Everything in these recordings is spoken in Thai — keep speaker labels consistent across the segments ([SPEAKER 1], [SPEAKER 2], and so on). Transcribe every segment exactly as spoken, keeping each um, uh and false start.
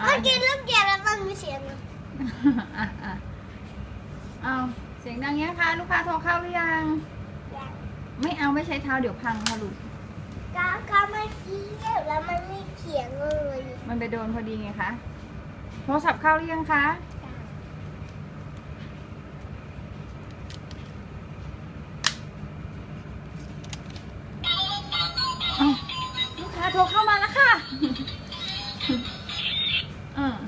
[SPEAKER 1] เมื่อกี้ลูกเกียร์แล้วมันมีเสียง
[SPEAKER 2] อ่ะอ่ะเอาเสียงดังเงี้ยค่ะลูกค้าโทรเข้าหรือยังไม่เอาไม่ใช้เท้าเดี๋ยวพังค่ะลูก
[SPEAKER 1] ก็ก็เมื่อกี้แล้วมันไม่เขียงเลย
[SPEAKER 2] มันไปโดนพอดีไงคะโทรศัพท์เข้าหรือยังคะอ้าวลูกค้าโทรเข้ามาแล้วค่ะอืม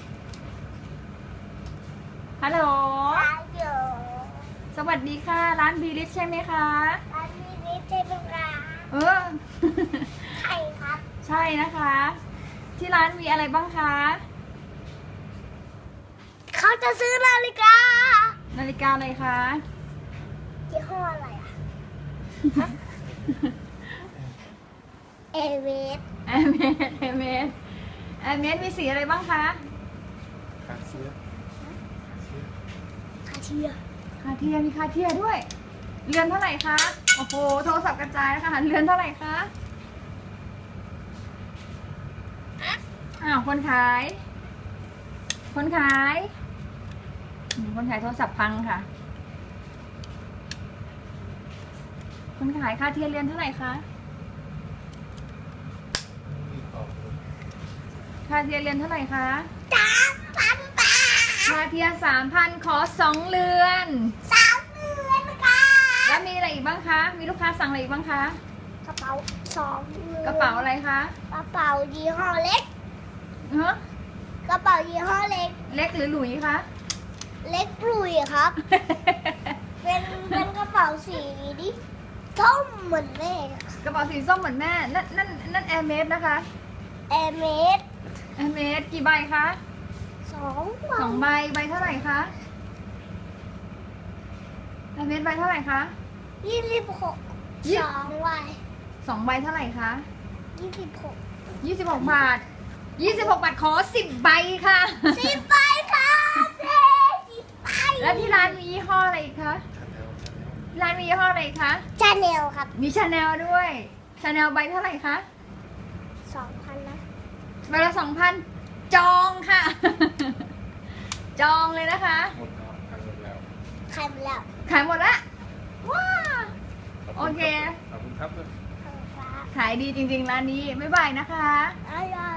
[SPEAKER 2] ฮัลโหล
[SPEAKER 1] เดี๋ยว
[SPEAKER 2] สวัสดีค่ะ ร้านบีลิสใช่ไหมคะ
[SPEAKER 1] ร้านนี้นี่ใช่ไหมคะ
[SPEAKER 2] เออ
[SPEAKER 1] ใช่ครับ
[SPEAKER 2] ใช่นะคะ ที่ร้านมีอะไรบ้างคะ
[SPEAKER 1] เขาจะซื้อนาฬิกา
[SPEAKER 2] นาฬิกาอะไรคะ
[SPEAKER 1] ยี่ห้ออะไรอ่ะ เอเวส
[SPEAKER 2] แอร์เมสแอร์เมสแอร์เมสมีสีอะไรบ้างคะ
[SPEAKER 3] คาเซีย
[SPEAKER 1] คาเทีย
[SPEAKER 2] คาเทียมีคาเทียด้วย เรือนเท่าไหร่คะ โอ้โห โทรศัพท์กระจายนะคะเรือนเท่าไหร่คะ อ้าว คนขาย คนขายอืมคนขายโทรศัพท์พังค่ะ คนขายคาเทียเรือนเท่าไหร่คะ
[SPEAKER 3] มีต่อเลย
[SPEAKER 2] คาเทียเรือนเท่าไหร่คะ
[SPEAKER 1] สามพันบาท
[SPEAKER 2] คาเทียสามพันขอสองเรือน
[SPEAKER 1] สามเดือนค่ะ
[SPEAKER 2] แล้วมีอะไรอีกบ้างคะ มีลูกค้าสั่งอะไรอีกบ้างคะ
[SPEAKER 1] กระเป๋าสองเดือน
[SPEAKER 2] กระเป๋าอะไรคะ
[SPEAKER 1] กระเป๋ายี่ห้อเล็ก
[SPEAKER 2] ฮะ
[SPEAKER 1] กระเป๋ายี่ห้อเล็ก
[SPEAKER 2] เล็กหรือหลุยคะ
[SPEAKER 1] เล็กปลุยครับ เป็นเป็นกระเป๋าสีดิส้มเหมือนแม่
[SPEAKER 2] กระเป๋าสีส้มเหมือนแม่ นั่นนั่นนั่นแอร์เมสนะคะ
[SPEAKER 1] แอร์เมส
[SPEAKER 2] แอร์เมสกี่ใบคะ
[SPEAKER 1] สอง
[SPEAKER 2] สองใบ ใบเท่าไหร่คะแอร์เมสใบเท่าไหร่คะ
[SPEAKER 1] ยี่สิบหก
[SPEAKER 2] ยี่
[SPEAKER 1] สองวัย
[SPEAKER 2] สองใบเท่าไหร่คะ
[SPEAKER 1] ยี่สิบหก
[SPEAKER 2] ยี่สิบหกบาทยี่สิบหกบาทขอสิบใบค่ะ
[SPEAKER 1] สิบใบครับเจ๊สิบใบ
[SPEAKER 2] แล้วที่ร้านมียี่ห้ออะไรอีกคะ
[SPEAKER 3] ชาแนลชาแนล
[SPEAKER 2] ร้านมียี่ห้ออะไรอีกคะ
[SPEAKER 1] ชาแนลครับ
[SPEAKER 2] มีชาแนลด้วยชาแนลใบเท่าไหร่คะ
[SPEAKER 1] สองพันนะ
[SPEAKER 2] ใบละสองพันจองค่ะ จองเลยนะคะ
[SPEAKER 3] หมดแล้วทางหมดแล้ว
[SPEAKER 1] ใครมาแล้ว
[SPEAKER 2] ขายหมดละว้า
[SPEAKER 3] ขบณ
[SPEAKER 2] โอเค
[SPEAKER 3] ขอบคุณครับ
[SPEAKER 1] ขอบคุณครับ
[SPEAKER 2] ขายดีจริงๆร้านนี้ บ๊ายบายนะคะ
[SPEAKER 1] อร่อย